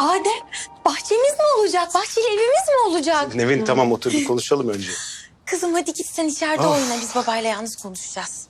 Adem, bahçemiz mi olacak? Bahçeli evimiz mi olacak? Nevin tamam otur bir konuşalım önce. Kızım hadi git sen içeride oyna. Biz babayla yalnız konuşacağız.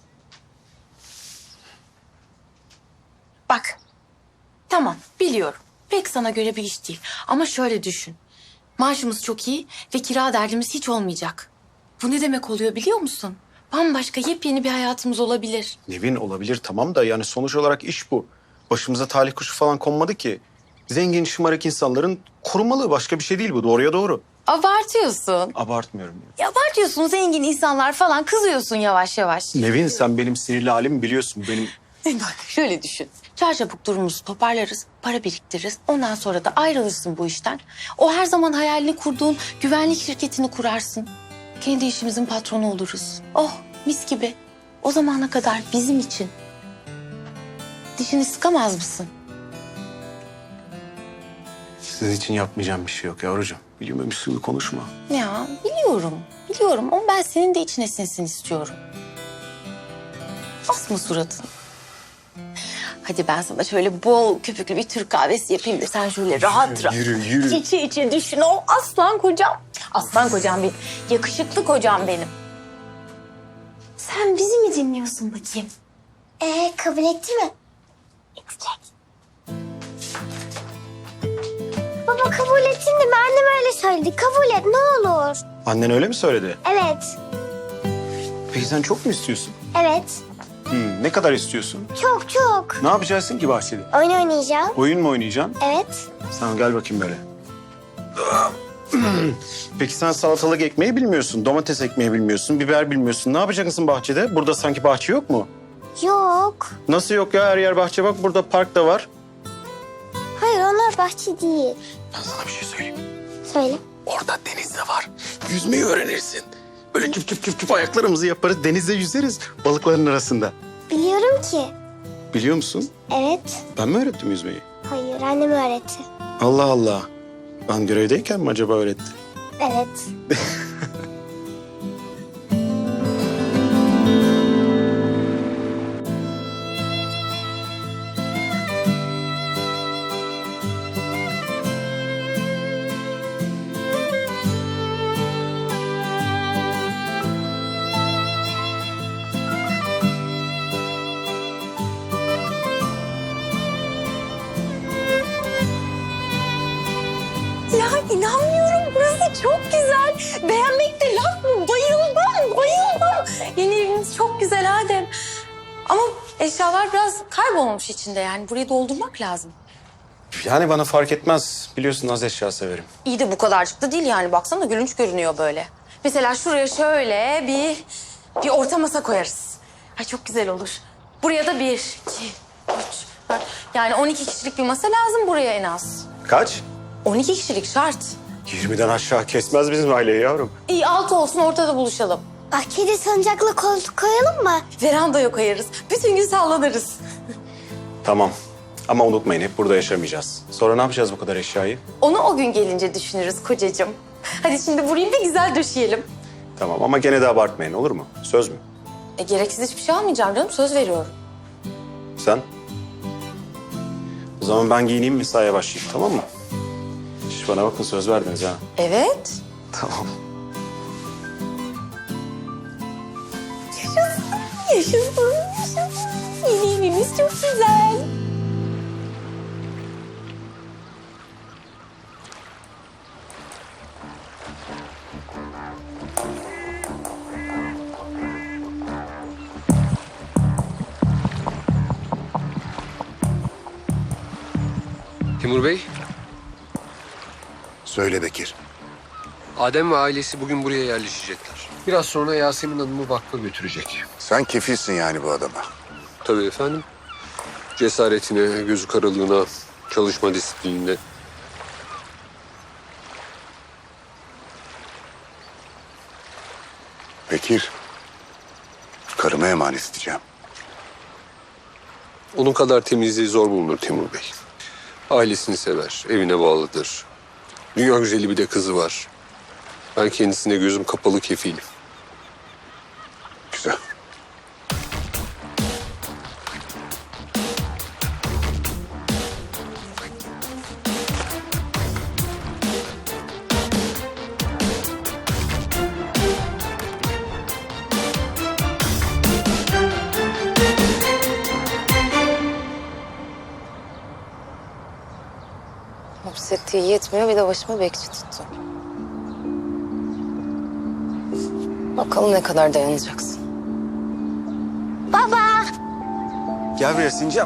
Bak. Tamam biliyorum. Pek sana göre bir iş değil. Ama şöyle düşün. Maaşımız çok iyi ve kira derdimiz hiç olmayacak. Bu ne demek oluyor biliyor musun? Bambaşka yepyeni bir hayatımız olabilir. Nevin olabilir tamam da yani sonuç olarak iş bu. Başımıza talih kuşu falan konmadı ki. Zengin şımarık insanların korumalığı başka bir şey değil bu. Doğruya doğru. Abartıyorsun. Abartmıyorum. Ya abartıyorsun zengin insanlar falan kızıyorsun yavaş yavaş. Nevin sen benim sinirli halimi biliyorsun. Benim Bak şöyle düşün. Çarçabuk durumumuzu toparlarız, para biriktiririz. Ondan sonra da ayrılırsın bu işten. O her zaman hayalini kurduğun güvenlik şirketini kurarsın. Kendi işimizin patronu oluruz. Oh mis gibi. O zamana kadar bizim için. Dişini sıkamaz mısın? sizin için yapmayacağım bir şey yok yavrucuğum. Biliyormuş gibi konuşma. Ya biliyorum, biliyorum. Ama ben senin de içine sinsin istiyorum. Asma suratını. Hadi ben sana şöyle bol köpüklü bir Türk kahvesi yapayım da sen şöyle rahat rahat. Yürü. İçe içe düşün o aslan kocam. Aslan kocam benim. Yakışıklı kocam benim. Sen bizi mi dinliyorsun bakayım? Kabul etti mi? Edecek. Baba kabul ettin de annem öyle söyledi. Kabul et ne olur. Annen öyle mi söyledi? Evet. Peki sen çok mu istiyorsun? Evet. Ne kadar istiyorsun? Çok çok. Ne yapacaksın ki bahçede? Oyun oynayacağım. Oyun mu oynayacaksın? Evet. Sen gel bakayım böyle. Peki sen salatalık ekmeği bilmiyorsun, domates ekmeği bilmiyorsun, biber bilmiyorsun. Ne yapacaksın bahçede? Burada sanki bahçe yok mu? Yok. Nasıl yok ya? Her yer bahçe bak. Burada park da var. Hayır onlar bahçe değil. Ben sana bir şey söyleyeyim. Söyle. Orada deniz de var. Yüzmeyi öğrenirsin. Böyle küp küp küp küp ayaklarımızı yaparız. Denizde yüzeriz balıkların arasında. Biliyorum ki. Biliyor musun? Evet. Ben mi öğrettim yüzmeyi? Hayır annem öğretti. Allah Allah. Ben görevdeyken mi acaba öğretti? Evet. Ya inanmıyorum burası çok güzel. Beğenmekte laf mı? Bayıldım, bayıldım. Yeni evimiz çok güzel Adem. Ama eşyalar biraz kaybolmuş içinde yani. Burayı doldurmak lazım. Yani bana fark etmez. Biliyorsun az eşya severim. İyi de bu kadarcık da değil yani. Baksana gülünç görünüyor böyle. Mesela şuraya şöyle bir orta masa koyarız. Ay çok güzel olur. Buraya da 1, 2, 3, 4. Yani 12 kişilik bir masa lazım buraya en az. Kaç? 12 kişilik şart. 20'den aşağı kesmez bizim aileyi yavrum. İyi 6 olsun ortada buluşalım. Bahçede salıncakla koltuk koyalım mı? Verandaya koyarız. Bütün gün sallanırız. Tamam. Ama unutmayın hep burada yaşamayacağız. Sonra ne yapacağız bu kadar eşyayı? Onu o gün gelince düşünürüz kocacığım. Hadi şimdi burayı bir güzel döşeyelim. Tamam ama gene de abartmayın olur mu? Söz mü? Gereksiz hiçbir şey almayacağım canım. Söz veriyorum. Sen? O zaman ben giyineyim mesaiye başlayayım tamam mı? Şş, bana bakın söz verdiniz ha. Evet. Tamam. Yaşasın, yaşasın, yaşasın. Yeni evimiz çok güzel. Timur Bey, Söyle Bekir. Adem ve ailesi bugün buraya yerleşecekler. Biraz sonra Yasemin Hanım'ı vakfa götürecek. Sen kefilsin yani bu adama. Tabii efendim. Cesaretine, gözü karalığına, çalışma disiplinine. Bekir. Karıma emanet edeceğim. Onun kadar temizliği zor bulunur Timur Bey. Ailesini sever, evine bağlıdır. Dünya güzeli bir de kızı var. Ben kendisine gözüm kapalı kefilim. Güzel. Hapsettiği yetmiyor, bir de başıma bekçi tuttu. Bakalım ne kadar dayanacaksın. Baba. Gel buraya Sincap.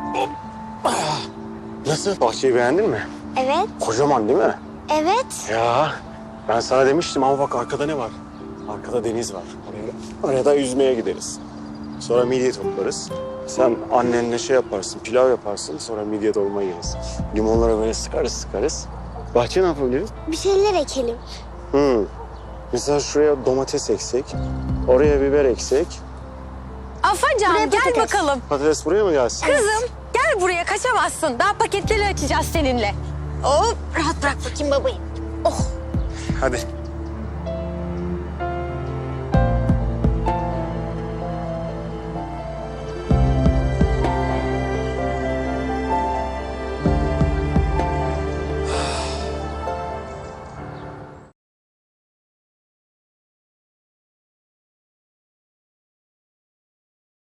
Nasıl? Bahçeyi beğendin mi? Evet. Kocaman değil mi? Evet. Ya ben sana demiştim ama bak arkada ne var? Arkada deniz var. Oraya da yüzmeye gideriz. Sonra midye toplarız. Sen annenle şey yaparsın, pilav yaparsın. Sonra midye dolma yeriz. Limonlara böyle sıkarız. Bahçe ne yapabiliriz? Bir şeyler ekelim. Mesela şuraya domates eksek. Oraya biber eksek. Afacan gel bakalım. Patates buraya mı gelsin? Kızım gel buraya kaçamazsın. Daha paketleri açacağız seninle. Hop rahat bırak bakayım babayı. Hadi.